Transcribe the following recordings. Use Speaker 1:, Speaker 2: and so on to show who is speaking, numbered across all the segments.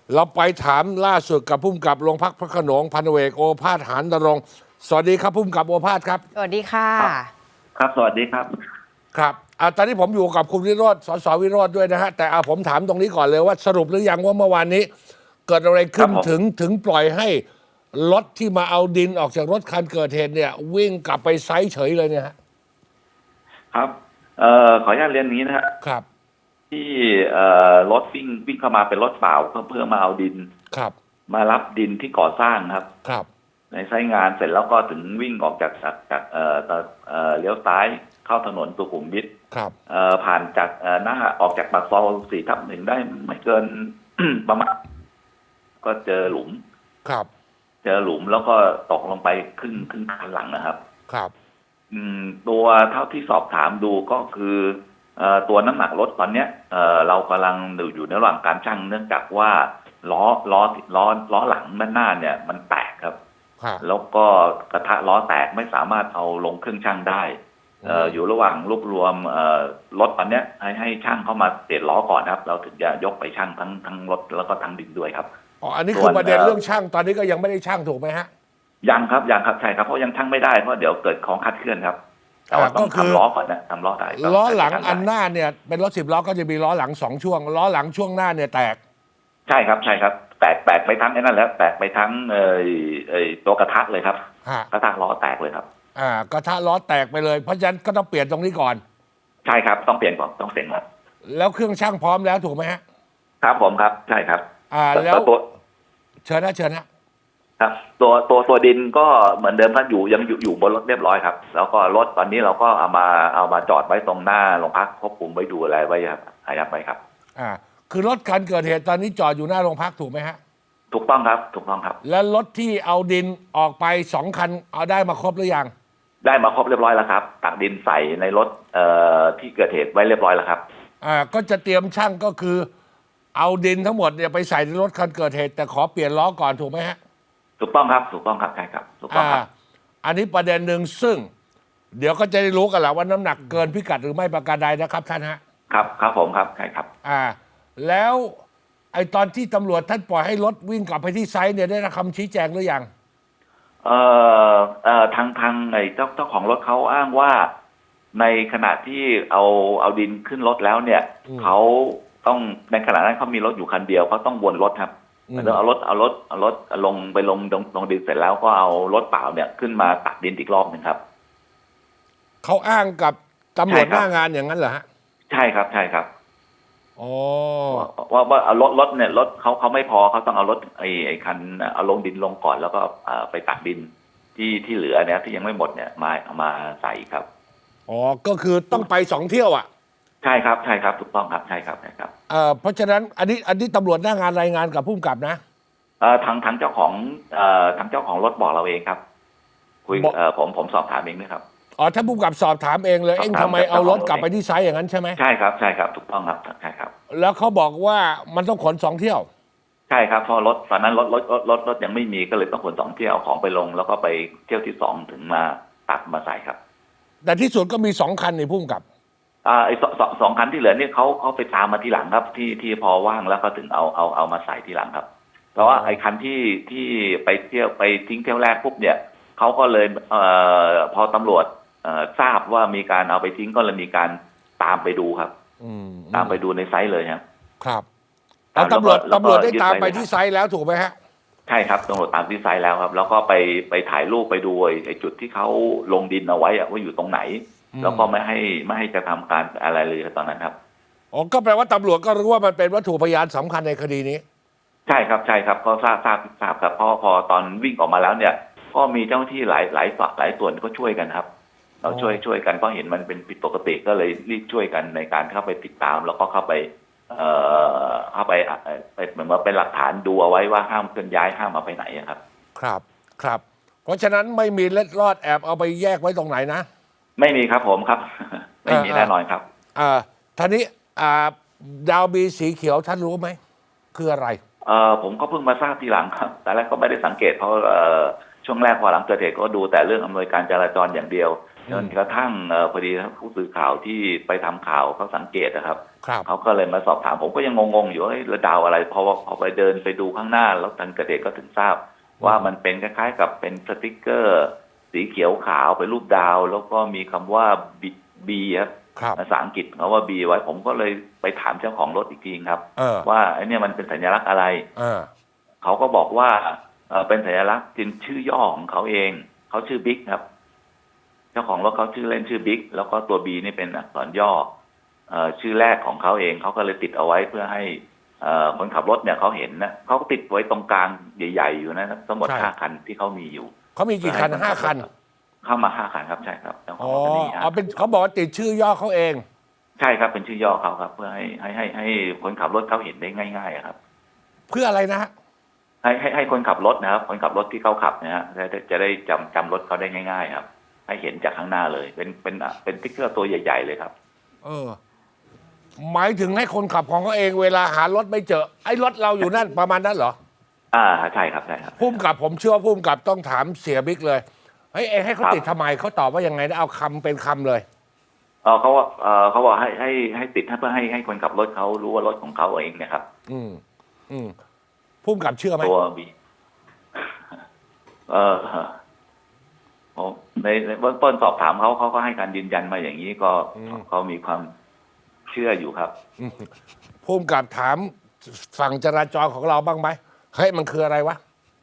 Speaker 1: เราไปถามล่าสุดกับผู้กำกับโรงพักพระโขนงพันเอกโอภาสหานนรงค์สวัสดีครับผู้กำกับโอภาสครับ
Speaker 2: สวัสดีค่ะ
Speaker 3: ครับครับสวัสดีครับ
Speaker 1: ครับตอนนี้ผมอยู่กับคุณวิโรจน์สสวิโรจน์ด้วยนะฮะแต่ผมถามตรงนี้ก่อนเลยว่าสรุปหรือยังว่าเมื่อวานนี้ เกิดอะไรขึ้นถึงปล่อยให้รถที่มาเอาดินออกจากรถคันเกิดเหตุเนี่ยวิ่งกลับไปไซต์เฉยเลยเนี่ยฮะ
Speaker 3: ครับขออนุญาตเรียนอย่างนี้นะฮะ
Speaker 1: ครับ
Speaker 3: ที่รถวิ่งเข้ามาเป็นรถเปล่าเพื่อมาเอาดิน
Speaker 1: ครับ
Speaker 3: มารับดินที่ก่อสร้างครับ
Speaker 1: ครับ
Speaker 3: ในไซต์งานเสร็จแล้วก็ถึงวิ่งออกจากเลี้ยวซ้ายเข้าถนนสุขุมวิท
Speaker 1: ครับ
Speaker 3: ผ่านจากหน้าออกจากปากซอย4/1ได้ไม่เกิน ประมาณก็เจอหลุม
Speaker 1: ครับ
Speaker 3: เจอหลุมแล้วก็ตกลงไปครึ่งคันหลังนะครับ
Speaker 1: ครับ
Speaker 3: ตัวเท่าที่สอบถามดูก็คือตัวน้ำหนักรถตอนเนี้ยเรากำลังอยู่ในระหว่างการชั่งเนื่องจากว่าล้อหลังด้านหน้าเนี่ยมันแตกครับแล้วก็กระทะล้อแตกไม่สามารถเอาลงเครื่องชั่งได้อยู่ระหว่างรวบรวมรถตอนเนี้ยให้ช่างเข้ามาเปลี่ยนล้อก่อนครับเราถึงจะยกไปชั่งทั้งรถแล้วก็ทั้งดินด้วยครับ
Speaker 1: อันนี้คือประเด็นเรื่องช่างตอนนี้ก็ยังไม่ได้ช่างถูกไหมฮะ
Speaker 3: ยังครับใช่ครับเพราะยังชั่งไม่ได้เพราะเดี๋ยวเกิดของคลาดเคลื่อนครับต้องทำล้อก่อนนะทำล้อได้
Speaker 1: ล้อหลังอันหน้าเนี่ยเป็นรถ10 ล้อก็จะมีล้อหลัง2 ช่วงล้อหลังช่วงหน้าเนี่ยแตก
Speaker 3: ใช่ครับแตกไปทั้งไอ้นั่นแล้วแตกไปทั้งตัวกระทะเลยครับกระทะล้อแตกเลยครับ
Speaker 1: กระทะล้อแตกไปเลยเพราะฉะนั้นก็ต้องเปลี่ยนตรงนี้ก่อน
Speaker 3: ใช่ครับต้องเปลี่ยนก่อนต้องเปลี่ยนครับ
Speaker 1: แล้วเครื่องช่างพร้อมแล้วถูกไหมฮะ
Speaker 3: ครับผมครับใช่ครับ
Speaker 1: แล้ว
Speaker 3: ตัว
Speaker 1: เชิญนะครับ
Speaker 3: ตัวดินก็เหมือนเดิมครับยังอยู่บนรถเรียบร้อยครับแล้วก็รถตอนนี้เราก็เอามาจอดไว้ตรงหน้าโรงพักควบคุมไว้ดูอะไรไว้ครับอายัดไว้ครับ
Speaker 1: คือรถคันเกิดเหตุตอนนี้จอดอยู่หน้าโรงพักถูกไหมฮะ
Speaker 3: ถูกต้องครับถูกต้องครับ
Speaker 1: แล้วรถที่เอาดินออกไป2 คันเอาได้มาครบหรือยัง
Speaker 3: ได้มาครบเรียบร้อยแล้วครับตักดินใส่ในรถที่เกิดเหตุไว้เรียบร้อยแล้วครับ
Speaker 1: ก็จะเตรียมช่างก็คือเอาดินทั้งหมดเนี่ยไปใส่ในรถคันเกิดเหตุแต่ขอเปลี่ยนล้อก่อนถูกไหมฮะ
Speaker 3: ถูกต้องครับใช่ครับถูกต้องครับ
Speaker 1: อันนี้ประเด็นหนึ่งซึ่งเดี๋ยวก็จะได้รู้กันแหละว่าน้ำหนักเกินพิกัดหรือไม่ประการใดนะครับท่านฮะ
Speaker 3: ครับผมครับใช่ครับ
Speaker 1: แล้วไอ้ตอนที่ตำรวจท่านปล่อยให้รถวิ่งกลับไปที่ไซต์เนี่ยได้รับคำชี้แจงหรือยัง
Speaker 3: ทางไอ้เจ้าของรถเขาอ้างว่าในขณะที่เอาดินขึ้นรถแล้วเนี่ยเขาต้องในขณะนั้นเขามีรถอยู่คันเดียวเขาต้องวนรถครับเอารถลงไปลงดินเสร็จแล้วก็เอารถเปล่าเนี่ยขึ้นมาตักดินอีกรอบหนึ่งครับ
Speaker 1: เขาอ้างกับตำรวจหน้างานอย่างนั้นเหรอฮะ
Speaker 3: ใช่ครับ
Speaker 1: อ๋อ
Speaker 3: ว่าเอารถเนี่ยรถเขาไม่พอเขาต้องเอารถไอ้คันเอาลงดินลงก่อนแล้วก็ไปตักดินที่เหลือเนี่ยที่ยังไม่หมดเนี่ยมาใส่ครับ
Speaker 1: ก็คือต้องไป2 เที่ยวอ่ะ
Speaker 3: ใช่ครับถูกต้องครับใช่ครับ
Speaker 1: เพราะฉะนั้นอันนี้ตำรวจหน้างานรายงานกับผู้กำกับนะ
Speaker 3: ทางเจ้าของรถบอกเราเองครับคุยผมสอบถามเองนะครับ
Speaker 1: ถ้าผู้กำกับสอบถามเองเลยทำไมเอารถกลับไปที่ไซต์อย่างนั้นใช่ไหม
Speaker 3: ใช่ครับถูกต้องครับใช่ครับ
Speaker 1: แล้วเขาบอกว่ามันต้องขน2 เที่ยว
Speaker 3: ใช่ครับเพราะรถตอนนั้นรถยังไม่มีก็เลยต้องขน2 เที่ยวเอาของไปลงแล้วก็ไปเที่ยวที่2ถึงมาตัดมาใส่ครับ
Speaker 1: แต่ที่สุดก็มี2 คันในผู้กำกับ
Speaker 3: ไอ้สองคันที่เหลือเนี่ยเขาไปตามมาทีหลังครับที่พอว่างแล้วก็ถึงเอามาใส่ทีหลังครับเพราะว่าไอ้คันที่ไปเที่ยวไปทิ้งเที่ยวแรกปุ๊บเนี่ยเขาก็เลยพอตำรวจทราบว่ามีการเอาไปทิ้งก็เลยมีการตามไปดูครับตามไปดูในไซต์เลย
Speaker 1: ครับตำรวจได้ตามไปที่ไซต์แล้วถูกไหมฮะ
Speaker 3: ใช่ครับตำรวจตามที่ไซต์แล้วครับแล้วก็ไปถ่ายรูปไปดูไอ้จุดที่เขาลงดินเอาไว้ว่าอยู่ตรงไหนแล้วก็ไม่ให้จะทำการอะไรเลยตอนนั้นครับ
Speaker 1: ก็แปลว่าตำรวจก็รู้ว่ามันเป็นวัตถุพยานสำคัญในคดีนี้
Speaker 3: ใช่ครับก็ทราบครับพอตอนวิ่งออกมาแล้วเนี่ยก็มีเจ้าหน้าที่หลายฝ่ายหลายส่วนก็ช่วยกันครับเราช่วยกันก็เห็นมันเป็นผิดปกติก็เลยรีบช่วยกันในการเข้าไปติดตามแล้วก็เข้าไปเหมือนว่าเป็นหลักฐานดูเอาไว้ว่าห้ามเคลื่อนย้ายห้ามเอาไปไหน
Speaker 1: ครับเพราะฉะนั้นไม่มีเล็ดลอดแอบเอาไปแยกไว้ตรงไหนนะ
Speaker 3: ไม่มีครับผมครับไม่มีแน่นอนครับ
Speaker 1: ท่านี้ดาวบีสีเขียวท่านรู้ไหมคืออะไร
Speaker 3: ผมก็เพิ่งมาทราบทีหลังครับแต่แรกก็ไม่ได้สังเกตเพราะช่วงแรกพอหลังเกิดเหตุก็ดูแต่เรื่องอำนวยการจราจรอย่างเดียวจนกระทั่งพอดีผู้สื่อข่าวที่ไปทำข่าวเขาสังเกตนะครับ
Speaker 1: ครับ
Speaker 3: เขาก็เลยมาสอบถามผมก็ยังงงๆอยู่ว่าระดาวอะไรพอไปเดินไปดูข้างหน้าแล้วทันกระเดชก็ถึงทราบว่ามันเป็นคล้ายๆกับเป็นสติ๊กเกอร์สีเขียวขาวเป็นรูปดาวแล้วก็มีคำว่าบีครับ
Speaker 1: ครับ
Speaker 3: ภาษาอังกฤษเขาว่าบีไว้ผมก็เลยไปถามเจ้าของรถอีกทีครับ ว่าไอ้เนี่ยมันเป็นสัญลักษณ์อะไรเขาก็บอกว่าเป็นสัญลักษณ์เป็นชื่อย่อของเขาเองเขาชื่อบิ๊กครับเจ้าของรถเขาชื่อเล่นชื่อบิ๊กแล้วก็ตัวบีนี่เป็นอักษรย่อชื่อแรกของเขาเองเขาก็เลยติดเอาไว้เพื่อให้คนขับรถเนี่ยเขาเห็นนะเขาก็ติดไว้ตรงกลางใหญ่ๆอยู่นะทั้งหมด
Speaker 1: ใช่
Speaker 3: 5 คันที่เขามีอยู่
Speaker 1: เขามีกี่คัน5 คัน
Speaker 3: เข้ามา5 คันครับใช่ครับเจ้าข
Speaker 1: อ๋
Speaker 3: อ
Speaker 1: อง
Speaker 3: รถคันนี้
Speaker 1: เอาเป็นเขาบอกว่าติดชื่อย่อเขาเอง
Speaker 3: ใช่ครับเป็นชื่อย่อเขาครับ เพื่อให้คนขับรถเขาเห็นได้ง่ายๆครับ
Speaker 1: เพื่ออะไรนะฮะ
Speaker 3: ให้คนขับรถนะครับคนขับรถที่เขาขับนะฮะจะได้จำรถเขาได้ง่ายๆครับ ให้เห็นจากข้างหน้าเลยเป็นติ๊กเกอร์ตัวใหญ่ๆเลยครับ
Speaker 1: หมายถึงให้คนขับของเขาเองเวลาหารถไม่เจอไอ้รถเราอยู่นั่น ประมาณนั้นเหรอ
Speaker 3: ใช่ครับใช่ครับ
Speaker 1: พุ่มกับผมเชื่อว่าพุ่มกับต้องถามเสียบิ๊กเลยเฮ้ยให้เขา
Speaker 3: ครับ
Speaker 1: ติดทำไมเขาตอบว่ายังไงนะเอาคำเป็นคำเลย
Speaker 3: เขาว่าเขาบอกให้ติดเพื่อให้คนขับรถเขารู้ว่ารถของเขาเองเนี่ยครับ
Speaker 1: พุ่มกับเชื่อไหม
Speaker 3: ตัวบีผมในเบื้องต้นสอบถามเขาก็ให้การยืนยันมาอย่างนี้ก็เขามีความเชื่ออยู่ครับ
Speaker 1: พุ่มกับถามฝั่งจราจรของเราบ้างไหมเฮ้ยมันคืออะไรวะ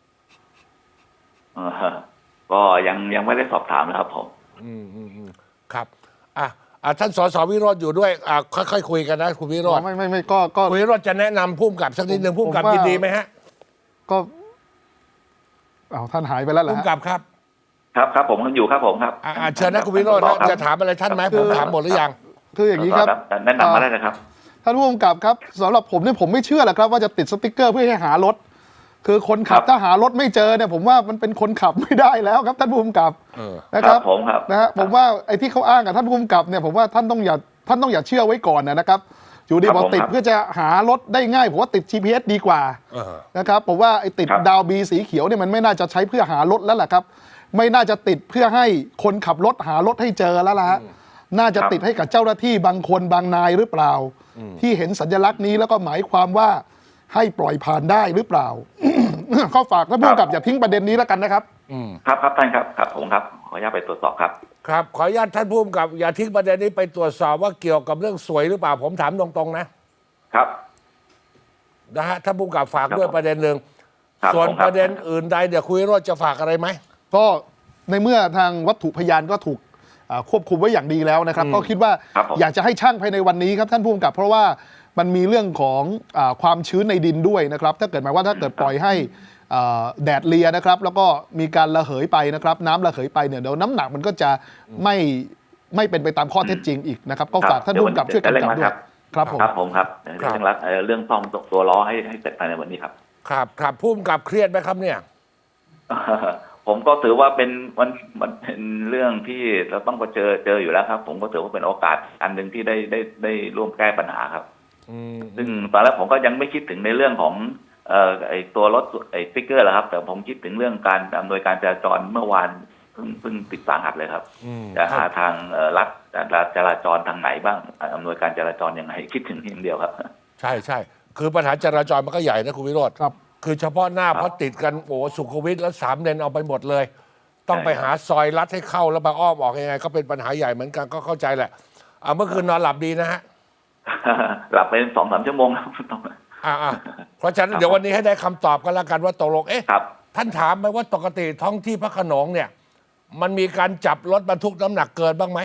Speaker 3: ก็ยังไม่ได้สอบถามนะครับผม
Speaker 1: ครับท่านสสวิโรจน์อยู่ด้วยค่อยๆคุยกันนะคุณวิโรจน์
Speaker 2: ไม่ก็
Speaker 1: คุณวิโรจน์จะแนะนำพุ่มกับสักนิดหนึ่งพุ่มกับยินดีไหมฮะ
Speaker 2: ก็ท่านหายไปแล้วเหรอ
Speaker 1: พุ่ม
Speaker 2: ฮะ
Speaker 1: กับครับ
Speaker 3: ครับผมอยู่ครับผมครับ
Speaker 1: เชิญนะคุณวิโรจน์นะจะถามอะไรท่านไหมผมถามหมดหรือยัง
Speaker 2: คืออย่างนี้ครับ
Speaker 3: แนะนำมาได้นะครับ
Speaker 2: ท่านผู้กำกับครับสำหรับผมเนี่ยผมไม่เชื่อแหละครับว่าจะติดสติ๊กเกอร์เพื่อให้หารถ คือคนขับถ้าหารถไม่เจอเนี่ยผมว่ามันเป็นคนขับไม่ได้แล้วครับท่านผู้กำกับนะครับ
Speaker 3: ผมครับ
Speaker 2: นะฮะผมว่าไอ้ที่เขาอ้างกับท่านผู้กำกับเนี่ยผมว่าท่านต้องอย่าเชื่อไว้ก่อนนะครับอยู่ดีบอกติดเพื่อจะหารถได้ง่ายผมว่าติด GPS ดีกว่านะครับผมว่าไอ้ติดดาวบีสีเขียวเนี่ยมันไม่น่าจะใช้เพื่อหารถแล้วแหละครับไม่น่าจะติดเพื่อให้คนขับรถหารถให้เจอแล้วล่ะน่าจะติดให้กับเจ้าหน้าที่บางคนบางนายหรือเปล่าที่เห็นสัญลักษณ์นี้แล้วก็หมายความว่าให้ปล่อยผ่านได้หรือเปล่า ข้อฝากท่านผู้กำกับอย่าทิ้งประเด็นนี้แล้วกันนะครับ
Speaker 3: ครับท่านครับผมครับขออนุญาตไปตรวจสอบครับ
Speaker 1: ครับขออนุญาตท่านผู้กำกับอย่าทิ้งประเด็นนี้ไปตรวจสอบว่าเกี่ยวกับเรื่องสวยหรือเปล่าผมถามตรงๆนะครับนะฮะท่านผู้กำกับฝากด้วยประเด็นหนึ่งส่วนประเด็นอื่นใดเดี๋ยวคุยโรจน์จะฝากอะไรไหม
Speaker 2: ก็ในเมื่อทางวัตถุพยานก็ถูกควบคุมไว้อย่างดีแล้วนะครับก็คิดว่าอยากจะให้ช่างภายในวันนี้ครับท่านผู้กำกับเพราะว่ามันมีเรื่องของความชื้นในดินด้วยนะครับถ้าเกิดหมายว่าถ้าเกิดปล่อยให้แดดเลียนะครับแล้วก็มีการระเหยไปนะครับน้ำระเหยไปเนี่ยเดี๋ยวน้ำหนักมันก็จะไม่เป็นไปตามข้อเท็จจริงอีกนะครับก็ฝากท่านผู้กำกับช่วยกำกับด้วยครับผม
Speaker 3: ครับเรื่องซ่อมตัวล้อให้เสร็จภายในวันนี้ครับ
Speaker 1: ครับผู้กำกับเครียดไหมครับเนี่ย
Speaker 3: ผมก็ถือว่ามันเป็นเรื่องที่เราต้องเจออยู่แล้วครับผมก็ถือว่าเป็นโอกาสอันหนึ่งที่ได้ร่วมแก้ปัญหาครับซึ่งตอนแรกผมก็ยังไม่คิดถึงในเรื่องของไอ้ตัวรถไอ้สติ๊กเกอร์แหละครับแต่ผมคิดถึงเรื่องการอำนวยการจราจรเมื่อวานเพิ่งติดสาหัสเลยครับจะหาทางรัฐจราจรทางไหนบ้างอำนวยการจราจรยังไงคิดถึงอย่างเดียวครับ
Speaker 1: ใช่คือปัญหาจราจรมันก็ใหญ่นะคุณวิโรจน์
Speaker 2: ครับ
Speaker 1: คือเฉพาะหน้าเพราะติดกันโอ้สุขุมวิทแล้ว3 เลนเอาไปหมดเลย ต้องไปหาซอยลัดให้เข้าแล้วมาอ้อมออกยังไงก็เป็นปัญหาใหญ่เหมือนกันก็เข้าใจแหละเมื่อคืนนอนหลับดีนะฮะ
Speaker 3: หลับไป2-3 ชั่วโมงแล้ว
Speaker 1: เพราะฉะนั้นเดี๋ยววันนี้ให้ได้คำตอบกันแล้วกันว่าตกลง
Speaker 3: ครับ
Speaker 1: ท่านถามไหมว่าปกติท้องที่พระโขนงเนี่ยมันมีการจับรถบรรทุกน้ำหนักเกินบ้างไหม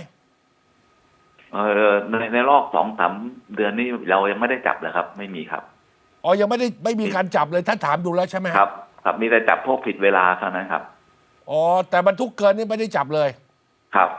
Speaker 3: ในรอบ2-3 เดือนนี้เรายังไม่ได้จับเลยครับไม่มีครับ
Speaker 1: ยังไม่มีการจับเลยท่านถามดูแล้วใช่ไหม
Speaker 3: ครับมีแต่จับพวกผิดเวลาเท่านั้นครับ
Speaker 1: แต่บรรทุกเกินนี่ไม่ได้จับเลย
Speaker 3: ครับ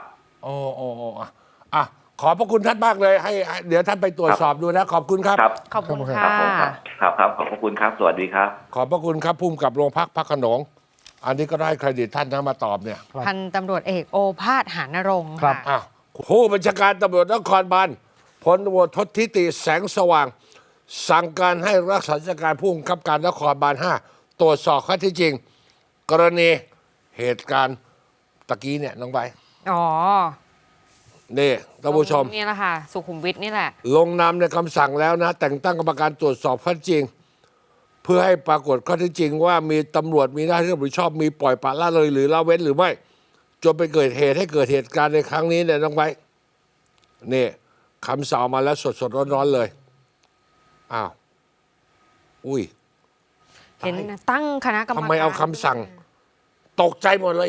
Speaker 1: ขอบพระคุณท่านมากเลยให้เดี๋ยวท่านไปตรวจสอบดูนะขอบคุณครับ
Speaker 4: ขอบคุณค่ะ
Speaker 3: ครับขอบคุณครับสวัสดีครับ
Speaker 1: ขอบพระคุณครับภูมิกับโรงพักพระโขนงอันนี้ก็ได้เครดิตท่านนะมาตอบเนี่ย
Speaker 4: พันตำรวจเอกโอภาสหานรงค์
Speaker 1: ค่ะผู้บัญชาการตำรวจนครบาลพลตำรวจทศทิติแสงสว่างสั่งการให้รักษาราชการผู้บังคับการนครบาล5ตรวจสอบข้อเท็จจริงกรณีเหตุการณ์ตะกี้เนี่ยน้องใบ
Speaker 4: อ๋อ
Speaker 1: นี่ท่านผู้ชม
Speaker 4: นี่แหละค่ะ สุขุมวิทนี่แหละ
Speaker 1: ลงนามในคำสั่งแล้วนะ แต่งตั้งกรรมการตรวจสอบข้อเท็จจริง เพื่อให้ปรากฏข้อเท็จจริงว่ามีตำรวจมีหน้าที่รับผิดชอบมีปล่อยปละละเลยหรือละเว้นหรือไม่จนไปเกิดเหตุให้เกิดเหตุการณ์ในครั้งนี้เนี่ยน้องไว้นี่คำสั่งมาแล้วสดๆร้อนๆเลยอ้าวอุ้ย
Speaker 4: เห็นตั้งคณะกรรมการ
Speaker 1: ทำไมเอาคำสั่ง ตกใจหมดเลย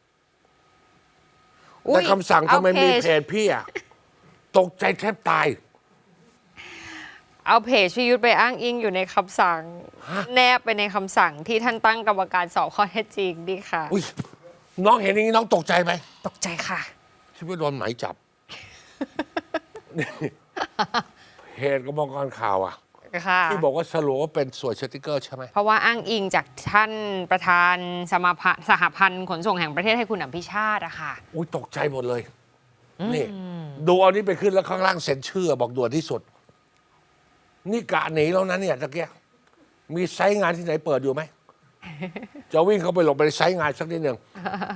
Speaker 4: อุ๊
Speaker 1: แต่
Speaker 4: ย
Speaker 1: คำสั่งทำไมมี
Speaker 4: เอา
Speaker 1: เพจพี่อะตกใจแทบตาย
Speaker 4: เอาเพจพี่ยุทธไปอ้างอิงอยู่ในคำสั่ง แนบไปในคำสั่งที่ท่านตั้งกรรมการสอบข้อเท็จจริงดีค่ะ
Speaker 1: อุ้ยน้องเห็นอย่างนี้น้องตกใจไหม
Speaker 4: ตกใจค่ะ
Speaker 1: คิดว่าโดนหมายจับ นี่เพจกรรมการข่าวอะ
Speaker 4: ค่ะ
Speaker 1: ที่บอกว่าสรุปว่าเป็นสวยสติกเกอร์ใช่ไหม
Speaker 4: เพราะว่าอ้างอิงจากท่านประธานสหพันธ์ขนส่งแห่งประเทศให้คุณอภิชาติอะค่ะ
Speaker 1: อุ้ยตกใจหมดเลย นี่ ดูเอานี้ไปขึ้นแล้วข้างล่างเซ็นชื่อบอกด่วนที่สุด นี่กะหนีแล้วนะเนี่ยตะเกียมีไซต์งานที่ไหนเปิดอยู่ไหม จะวิ่งเข้าไปหลบไปในไซต์งานสักนิดหนึ่ง